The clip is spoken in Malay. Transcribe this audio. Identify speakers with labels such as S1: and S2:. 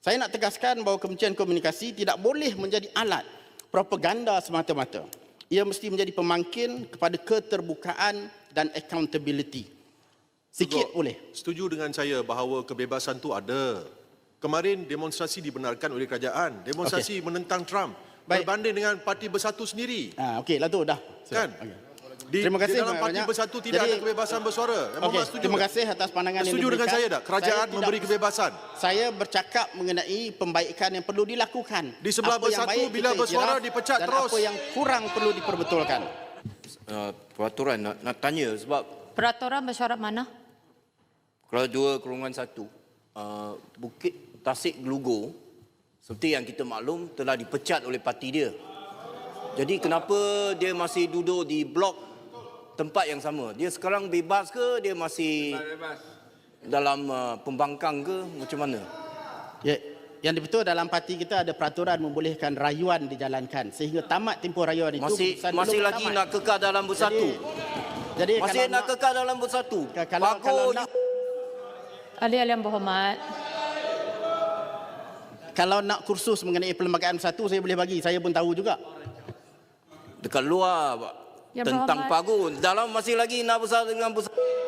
S1: Saya nak tegaskan bahawa Kementerian Komunikasi tidak boleh menjadi alat propaganda semata-mata. Ia mesti menjadi pemangkin kepada keterbukaan dan accountability. Sikit boleh.
S2: Setuju dengan saya bahawa kebebasan tu ada. Kemarin demonstrasi dibenarkan oleh kerajaan. Demonstrasi menentang Trump.
S1: Baik.
S2: Berbanding dengan Parti Bersatu sendiri.
S1: Okeylah tu dah.
S2: Kan?
S1: Okay.
S2: Di
S1: Terima kasih
S2: dalam Parti
S1: banyak.
S2: Bersatu tidak ada kebebasan bersuara.
S1: Terima kasih atas pandangan yang
S2: setuju dengan
S1: diberikan.
S2: saya tak? Kerajaan memberi kebebasan.
S1: Saya bercakap mengenai pembaikan yang perlu dilakukan.
S2: Di sebelah
S1: Apa yang
S2: Bersatu
S1: baik
S2: bila
S1: kita
S2: bersuara
S1: iktiraf
S2: dipecat
S1: dan
S2: terus.
S1: apa yang kurang perlu diperbetulkan.
S3: Peraturan nak tanya sebab
S4: Peraturan bersyarat mana?
S3: kalau 2/1 Bukit Tasik Gelugur seperti yang kita maklum telah dipecat oleh parti dia. Jadi kenapa dia masih duduk di blok tempat yang sama? Dia sekarang bebas ke dia masih dalam pembangkang ke macam mana?
S1: Ya, yang betul dalam parti kita ada peraturan membolehkan rayuan dijalankan sehingga tamat tempoh rayuan itu.
S3: Masih lagi nak kekal dalam Bersatu.
S1: Jadi
S3: Masih nak kekal dalam Bersatu.
S1: kalau nak
S4: Ahli-ahli yang berhormat.
S1: kalau nak kursus mengenai perlembagaan Bersatu saya boleh bagi. Saya pun tahu juga.
S3: Dekat luar Pak.
S4: Yang
S3: Tentang
S4: berhormat.
S3: Pagun. Dalam masih lagi nak bersatu dengan Bersatu.